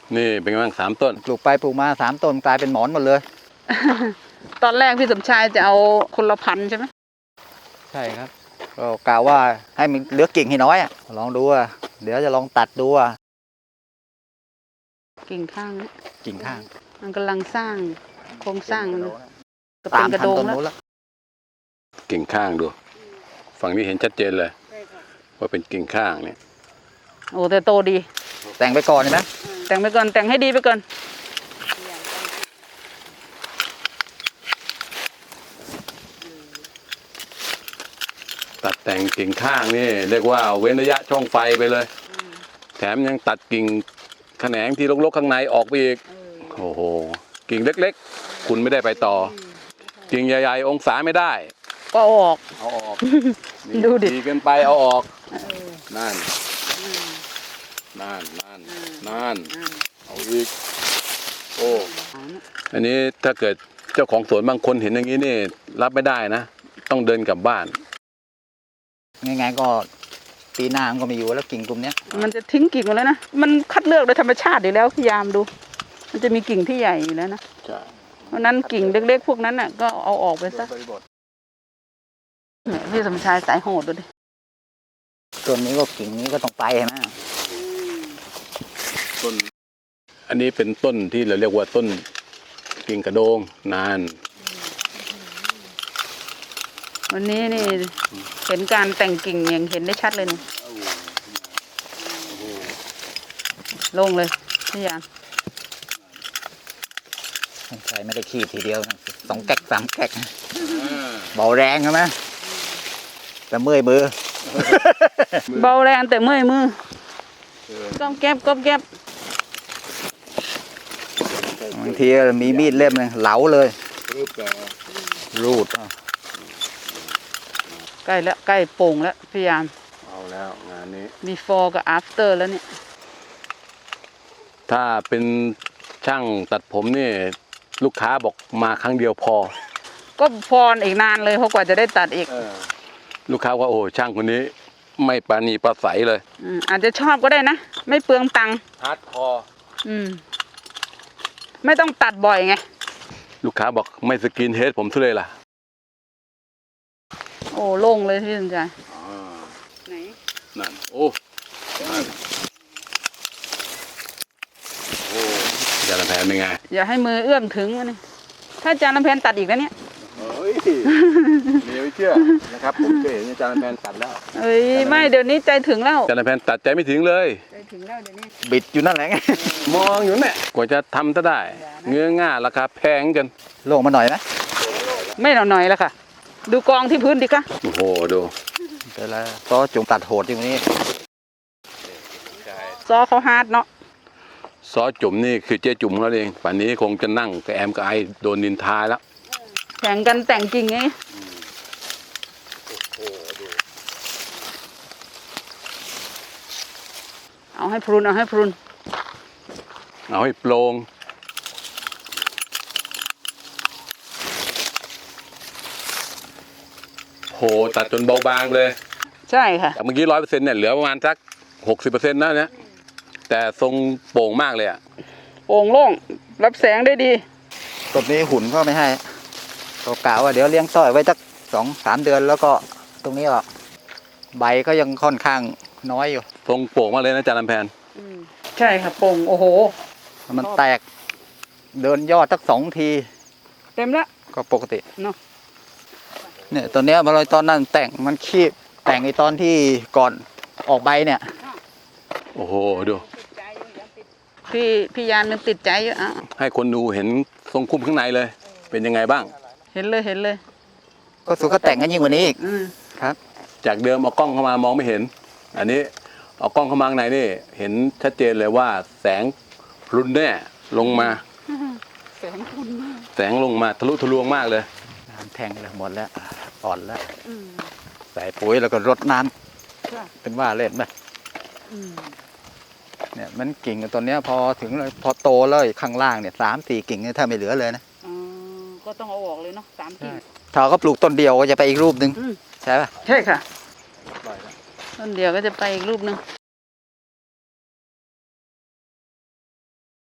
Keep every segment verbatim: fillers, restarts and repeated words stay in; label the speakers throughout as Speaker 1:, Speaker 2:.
Speaker 1: นี่เป็นไงบ้างสามต้น
Speaker 2: ปลูกไปปลูกมาสามต้นกลายเป็นหมอนหมดเลย
Speaker 3: ตอนแรกพี่สมชายจะเอาคนละพันใช่ไหม
Speaker 2: ใช่ครับก็กล่าวว่าให้มันเหลือกิ่งให้น้อยอ่ะลองดูอ่ะเดี๋ยวจะลองตัดดูอ่ะ
Speaker 3: กิ่งข้างนี้
Speaker 2: กิ่งข้าง
Speaker 3: มันกำลังสร้างโครงสร้างมันจะ
Speaker 2: ตา
Speaker 3: เป็
Speaker 2: ม
Speaker 3: นกระ
Speaker 2: ทัน
Speaker 3: โดง
Speaker 2: ต้น
Speaker 3: แล้ว
Speaker 2: นู้นแล้ว
Speaker 1: กิ่งข้างดูฝั่งนี้เห็นชัดเจนเลยว่าเป็นกิ่งข้างเนี่ย
Speaker 3: โอ้แต่โตดี
Speaker 2: แต่งไปก่อนเห็นไหม
Speaker 3: แต่งไปก่อนแต่งให้ดีไปก่อน
Speaker 1: ตัดแต่งกิ่งข้างนี่เรียกว่าเว้นระยะช่องไฟไปเลยแถมยังตัดกิ่งแขนงที่รกๆข้างในออกไปอีกโอ้โหกิ่งเล็กๆคุณไม่ได้ไปต่อกิ่งใหญ่ๆองศาไม่ได้
Speaker 3: ก็เอาออก
Speaker 1: เอาออก
Speaker 3: ดูดิ
Speaker 1: ดีเกินไปเอาออกนั่นนั่นนั่นนั่นเอาอีกโอ้อันนี้ถ้าเกิดเจ้าของสวนบางคนเห็นอย่างนี้นี่รับไม่ได้นะต้องเดินกลับบ้าน
Speaker 2: ง่ายๆก็ปีหน้ามันก็ไม่อยู่แล้วกิ่งกลุ่มเนี้ย
Speaker 3: มันจะทิ้งกิ่งหมดแล้วนะมันคัดเลือกโดยธรรมชาติอยู่แล้วพยายามดูมันจะมีกิ่งที่ใหญ่อยู่แล้วนะเพราะนั้นกิ่งเล็กๆพวกนั้นน่ะก็เอาออกไปซะพี่สมชายสายโหดดูดิ
Speaker 2: ต้นนี้ก็กิ่งนี้ก็ต้องไปใช่ไหม
Speaker 1: ต้นอันนี้เป็นต้นที่เราเรียกว่าต้นกิ่งกระโดงนาน
Speaker 3: วันนี้นี่เห็นการแต่งกิ่งอย่างเห็นได้ชัดเลยนี่ลงเลยพี่ยาม
Speaker 2: ใช่ไม่ได้ขี้ทีเดียวสองแก๊กสามแก๊กเบาแรงใช่ไหมแต่เมื่อยมือ
Speaker 3: เบาแรงแต่เมื่อยมือก้มแก็บก้มแก็
Speaker 2: บบางทีมีมีดเล่มนึงเหลาเลยรูด
Speaker 3: ใกล้แล้วใกล้โป่งแล้วพี่ยาม
Speaker 1: เอาแล้วงานนี้
Speaker 3: before กับ after แล้วเนี่ย
Speaker 1: ถ้าเป็นช่างตัดผมนี่ลูกค้าบอกมาครั้งเดียวพอ
Speaker 3: ก็พออีกนานเลยเพราะกว่าจะได้ตัดอีก
Speaker 1: ลูกค้าว่าโอ้ช่างคนนี้ไม่ปราณีประใสเลย
Speaker 3: อาจจะชอบก็ได้นะไม่เปลืองตังค์
Speaker 1: ฮาร์ดคอร์
Speaker 3: อืมไม่ต้องตัดบ่อยไง
Speaker 1: ลูกค้าบอกไม่สกินเฮดผมทุเลยล่ะ
Speaker 3: โอ้โล่งเลยพี่สนใจไหน
Speaker 1: นั่นโอ้นั่นโอ้จานลำแพนเป็นไง
Speaker 3: อย่าให้มือเอื้อมถึงนี่ถ้าจานลำแพนตัดอีกแล้วเนี่ย
Speaker 1: เฮ้ยเดี๋ยวไม่เชื่อนะครับผมเคยเห็นจานลำแพนตัดแล้ว
Speaker 3: เอ้ยไม่เดี๋ยวนี้ใจถึงแล้ว
Speaker 1: จานลำแพนตัดใจไม่ถึงเลย
Speaker 3: ใจถึงแล้วเดี๋ยวนี้
Speaker 2: บิดอยู่นั่นแหละ
Speaker 1: มองอยู่เนี่ยกว่าจะทำซะได้เงื้อง่าราคาแพงกัน
Speaker 2: ลงมาหน่อยนะ
Speaker 3: ไม่หน่อยแล้วค่ะดูกองที่พื้นดิคะ
Speaker 1: โอ้โหดู
Speaker 2: เดี๋ยวแล้วซอจุ่มตัดโหดอย่างนี้
Speaker 3: ซอเขาฮาร์ดเนาะ
Speaker 1: ซอจุ่มนี่คือเจ๊จุ่มแล้วเองป่านนี้คงจะนั่งกับแอมกับไอโดนนินทาแล้ว
Speaker 3: แข่งกันแต่งจริงไงเอาให้พรุนเอาให้พรุน
Speaker 1: เอาให้โปร่งโหตัดจนเบาบางเลย
Speaker 3: ใช่ค่ะ
Speaker 1: จากเมื่อกี้ร้อยเปอร์เซ็นต์เนี่ยเหลือประมาณสักหกสิบเปอร์เซ็นต์นะเนี่ยแต่ทรงโป่งมากเลยอะ
Speaker 3: โป่งโล่งรับแสงได้ดี
Speaker 2: ต้นนี้หุ่นก็ไม่ให้ก็กล่าวว่าเดี๋ยวเลี้ยงต้อยไว้สักสองสามเดือนแล้วก็ตรงนี้ก็ใบก็ยังค่อนข้างน้อยอยู่
Speaker 1: ทรงโป่งมากเลยนะจานลำแพน
Speaker 3: ใช่ค่ะโป่งโอ้โห
Speaker 2: มันแตกเดินยอดสักสองที
Speaker 3: เต็มแล้ว
Speaker 2: ก็ปกติ
Speaker 3: เนาะ
Speaker 2: เนี่ยตัวเนี้ยมาลอยตอนนั้นแต่งมันขี้แต่งไอตอนที่ก่อนออกใบเนี่ย
Speaker 1: โอ้โหดู
Speaker 3: พี่พี่ยานมันติดใจเยอะอ่ะ
Speaker 1: ให้คนดูเห็นทรงคุ้มข้างในเลยเป็นยังไงบ้าง
Speaker 3: เห็นเลยเห็นเลย
Speaker 2: ก็สุดก็แต่งกันยิ่งกว่านี้อีกครับ
Speaker 1: จากเดิมเอากล้องเข้ามามองไม่เห็นอันนี้เอากล้องเข้ามาข้างในนี่เห็นชัดเจนเลยว่าแสงรุนแน่ลงมา
Speaker 3: แสงรุนมาก
Speaker 1: แสงลงมาทะลุทะลวงมากเลย
Speaker 2: น้ำแทงเลยหมดแล้วอ่อนแล้วใส่ปุ๋ยแล้วก็รดน้ำเป็นว่าเล่นไหมเนี่ยมันกิ่งตัวเนี้ยพอถึงเลยพอโตเลยข้างล่างเนี่ยสามสี่กิ่งเนี่ยถ้าไม่เหลือเลยนะ
Speaker 3: ก็ต้องเอาออกเลยเนาะสามกิ่ง
Speaker 2: ถ้าเขาปลูกต้นเดียวก็จะไปอีกรูปหนึ่งใช่ป่ะ
Speaker 3: ใช่ค่ะต้นเดียวก็จะไปอีกรูปหนึ่ง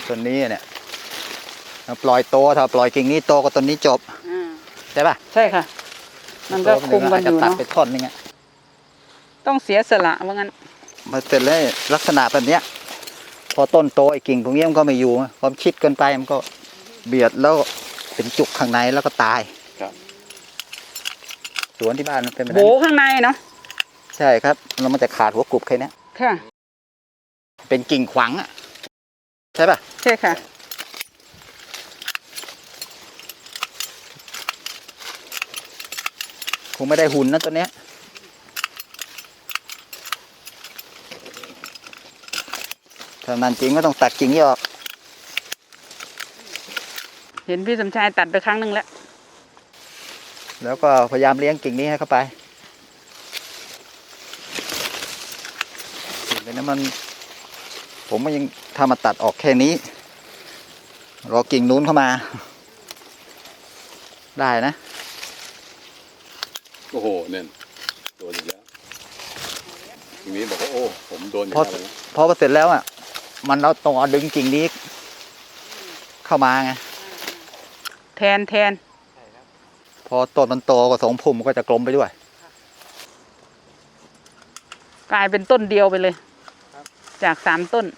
Speaker 2: ต้นนี้เนี่ยเราปล่อยโตถ้าปล่อยกิ่งนี้โตก็ต้นนี้จบ
Speaker 3: อ่า
Speaker 2: ใช่ป่ะ
Speaker 3: ใช่ค่ะ มันก็คุมกันอยู่
Speaker 2: าจจะตัด
Speaker 3: เนาะ
Speaker 2: ไปท่อนนึงอะ
Speaker 3: ต้องเสียสละว่างั้น
Speaker 2: มาเสร็จแล้วลักษณะแบบเนี้ย พอต้นโตไอ้กิ่งตรงนี้มันก็ไม่อยู่ความชิดเกินไปมันก็เบียดแล้วเป็นจุกข้างในแล้วก็ตาย
Speaker 1: ครับ
Speaker 2: สวนที่บ้านมันเป็นแบบ
Speaker 3: โบ
Speaker 2: นั้น
Speaker 3: ข้างในเนาะ
Speaker 2: ใช่ครับแล้วมันจะขาดหัวกรุบแค่เนี้ย
Speaker 3: ค่ะ
Speaker 2: เป็นกิ่งขวางอ่ะใช่ป่ะ
Speaker 3: ใช่ค่ะ
Speaker 2: คงไม่ได้หุ่นนะตัวเนี้ยถ้านั้นจริงก็ต้องตัดกิ่งนี้ออก
Speaker 3: เห็นพี่สมชายตัดไปครั้งหนึ่งแล้ว
Speaker 2: แล้วก็พยายามเลี้ยงกิ่งนี้ให้เข้าไปกิ่งนี้มัน ผมก็ยังทำมาตัดออกแค่นี้ รอกิ่งนู้นเข้ามา ได้นะ
Speaker 1: โอ้โหเนี่ยโดนอีกแล้วทีนี้บอกว่าโอ้ผมโดนอย่าง
Speaker 2: พอ
Speaker 1: นั้นเลย
Speaker 2: พอเสร็จแล้วอ่ะ มันเราต้องเอาดึงกิ่งนี้ เข้ามาไง
Speaker 3: แทนแทน
Speaker 2: พอต้นมันโตก็สองพุ่มก็จะกลมไปด้วย
Speaker 3: กลายเป็นต้นเดียวไปเลย จากสามต้น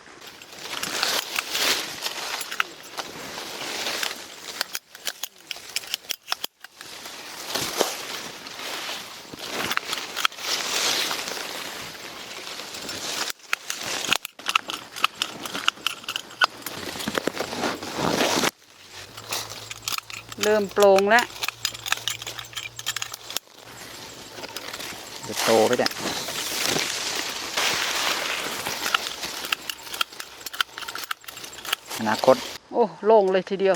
Speaker 3: เริ่มโปร่งแล้ว
Speaker 2: จะโตไปเนี่ยอนาคต
Speaker 3: โอ้โล่งเลยทีเดียว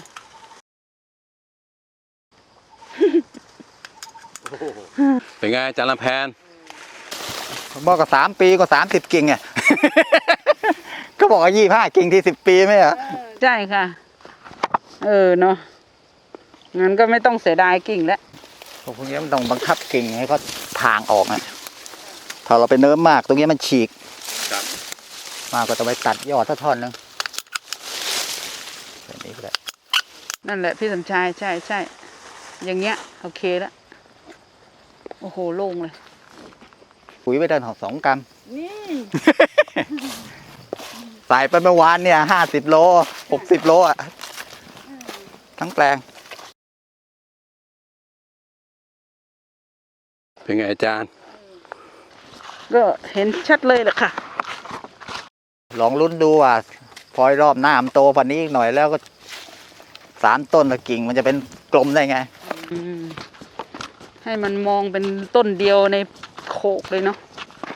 Speaker 1: เป็นไงอาจารย์ลำแพน
Speaker 2: ผมบอกก็สามปีก็สามสิบกิ่งไง ก็บอกว่ายี่ห้ากิ่งที่สิบปีไหมอ่ะ
Speaker 3: ใช่ค่ะ เออเนาะงั้นก็ไม่ต้องเสียดายกิ่งแล้ว
Speaker 2: พวกนี้มันต้องบังคับกิ่งให้เขาทางออกนะถ้าเราไปเนิ้มมากตรงนี้มันฉีก
Speaker 1: ครับ
Speaker 2: มากก็จะไปตัดยอดสักท่อนหนึงแบบนี้ก็ได้
Speaker 3: นั่นแหละพี่สมชายใช่ใช่อย่างเงี้ยโอเคแล้ว โอ้โหโล่งเลย
Speaker 2: ปุ๋ยไปได้ถึงสองกรัม
Speaker 3: นี่
Speaker 2: ใส่ไปเมื่อวานเนี่ยห้าสิบโลหกสิบโลอ่ะ ทั้งแปลง
Speaker 1: เป็นไงอาจารย์
Speaker 3: ก็เห็นชัดเลยแหละค่ะ
Speaker 2: ลองลุ้นดูว่าพอรอบหน้ามันโตกว่านี้อีกหน่อยแล้วก็สามต้นละกิ่งมันจะเป็นกลมได้ไง
Speaker 3: อืมให้มันมองเป็นต้นเดียวในโขกเลยเนาะ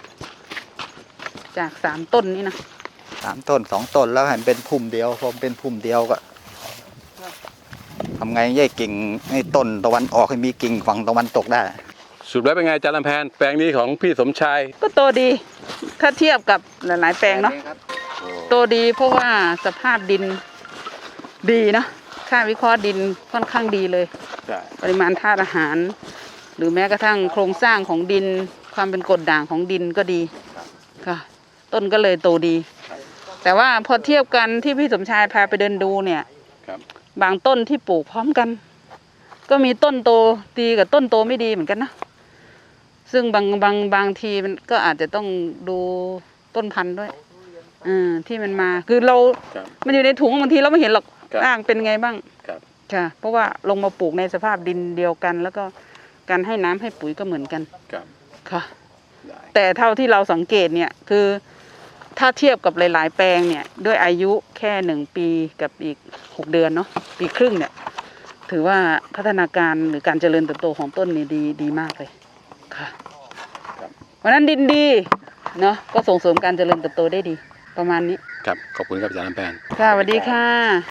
Speaker 3: จากสามต้นนี้นะ
Speaker 2: สามต้นสองต้นแล้วให้มันเป็นพุ่มเดียวพอเป็นพุ่มเดียวก็ทำไงแยกกิ่งให้ต้นตะวันออกให้มีกิ่งฝั่งตะวันตกได้
Speaker 1: สุดแล้วเป็นไงอาจารย์ลำแพนแปลงนี้ของพี่สมชาย
Speaker 3: ก็โตดี ถ้าเทียบกับหลาย ๆ แปลงเนาะโตดีเพราะว่าสภาพดินดีเนาะค่าวิเคราะห์ดินค่อนข้างดีเลย
Speaker 1: ใช่
Speaker 3: ปริมาณธาตุอาหาร หรือแม้กระทั่งโครงสร้างของดิน ความเป็นกรดด่างของดินก็ดีค่ะ ต้นก็เลยโตดี แต่ว่าพอเทียบกันที่พี่สมชายพาไปเดินดูเนี่ย
Speaker 1: ครับ
Speaker 3: บางต้นที่ปลูกพร้อมกัน ก็มีต้นโตดีกับต้นโตไม่ดีเหมือนกันนะซึ่งบางบางบางทีมันก็อาจจะต้องดูต้นพันธุ์ด้วยอ่าที่มันมาคือเรา
Speaker 1: ครับ
Speaker 3: มันอยู่ในถุงบางทีเราไม่เห็นหรอก
Speaker 1: ครับ
Speaker 3: ร่างเป็นไงบ้าง
Speaker 1: ครับ
Speaker 3: ค่ะ เพราะว่าลงมาปลูกในสภาพดินเดียวกัน แล้วก็การให้น้ำให้ปุ๋ยก็เหมือนกัน
Speaker 1: ครับ
Speaker 3: ค่ะ
Speaker 1: ได้
Speaker 3: แต่เท่าที่เราสังเกตเนี่ยคือถ้าเทียบกับหลาย ๆ แปลงเนี่ยด้วยอายุแค่หนึ่งปีกับอีกหกเดือนเนาะปีครึ่งเนี่ยถือว่าพัฒนาการหรือการเจริญเติบโตของต้นนี่ดีดีมากเลยค่ะเพราะฉะนั้นดินดีเนาะก็ส่งเสริมการเจริญเติบโตได้ดีประมาณนี้
Speaker 1: ครับขอบคุณครับอาจารย์ลำแพน
Speaker 3: ค่ะสวัสดีค่ะ